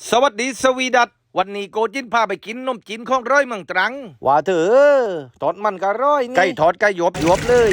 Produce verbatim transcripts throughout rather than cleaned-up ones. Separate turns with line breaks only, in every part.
สวัสดีสวีดัตวันนี้โกจินพาไปกินนมจีนของร้อยเมืองตรังว่าเถอะทอดมันก็ร้อยนี่ไก่ทอดไก่หยวบหยวบเลย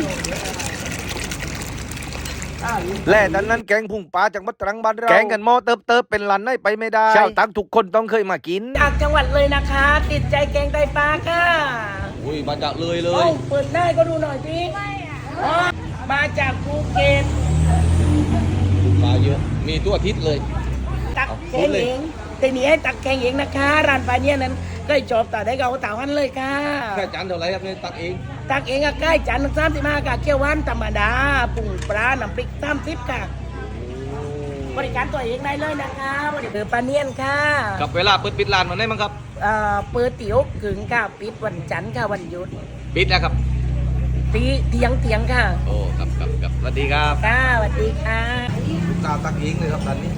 และดังนั้นแกงพุ่งปลาจากมัดตรังบ้านเราแกงกันหม้อเติบเติบเป็นลันให้ไปไม่ได้ชาวตังทุกคนต้องเคยมากิน
จากจังหวัดเลยนะคะ ติดใจแกงไตปลาค่ะ
อุ้ยมาจากเลยเล
เอ้าย เปิดได้ก็ดูหน่อยสิอ๋อมาจากภูเก็ต
ปลาเยอะมีตัวอาทิตย์เลย
ตักแกงเองแต่นี้ให้ตักแกงเองนะคะร้านปลาเนี่ยนั้นก็จบแต่ได้ก็เอาเต่าหันเลยค่ะ
แค่จานเท่าไรครับเนี่ยตักเอง
ตักเองก็ใกล้จานสามสิบห้าค่ะเกี๊ยวหวานธรรมดาปุ่งปลาน้ำพริกสามสิบค่ะบริการตัวเองได้เลยนะคะบริการปลาเนียนค่ะ
กับเวลาเปิดปิดร้านวันไหนมั้งครับ
เอ่อเปิดติ๋วกึ่งค่ะปิดวันจันทร์ค่ะวันหยุด
ปิดแล้วครับ
ตีเถียงเถียงค่ะ
โอ้ครับครับครับสวัสดีครับ
ค่ะสวัสดีค่ะ
ลูกตาตักเองเลยครับตอนนี้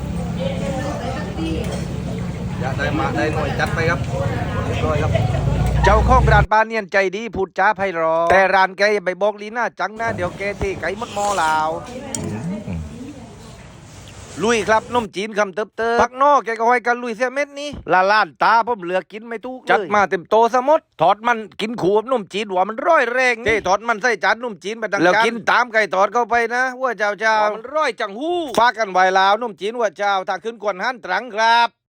อยากได้มาได้หน่อยจัดไปครับเรียบร้อยครับเจ้าของร้านปลาเนียนใจดีพูดจ้าไพเราะแต่ร้านแกอย่าไปบอกลีน่าจังนะเดี๋ยวแกที่ไก่มดมอลาวลุยครับนมจีนคำเติบเติบปักนอกแกก็ห้อยกันลุยเสียเม็ดนี้ละล้านตาผมเหลือกินไม่ทุกจัดมาเต็มโตสมดทอดมันกินขูบนมจีนหัวมันร้อยแรงเจ้ทอดมันใส่จานนมจีนไปดังแล้วกินตามไก่ทอดเข้าไปนะว่าเจ้าเจ้ามันร้อยจังหู้ฟากันไวลาวนมจีนว่าเจ้าถ้าขึ้นกวนหันตรังครับ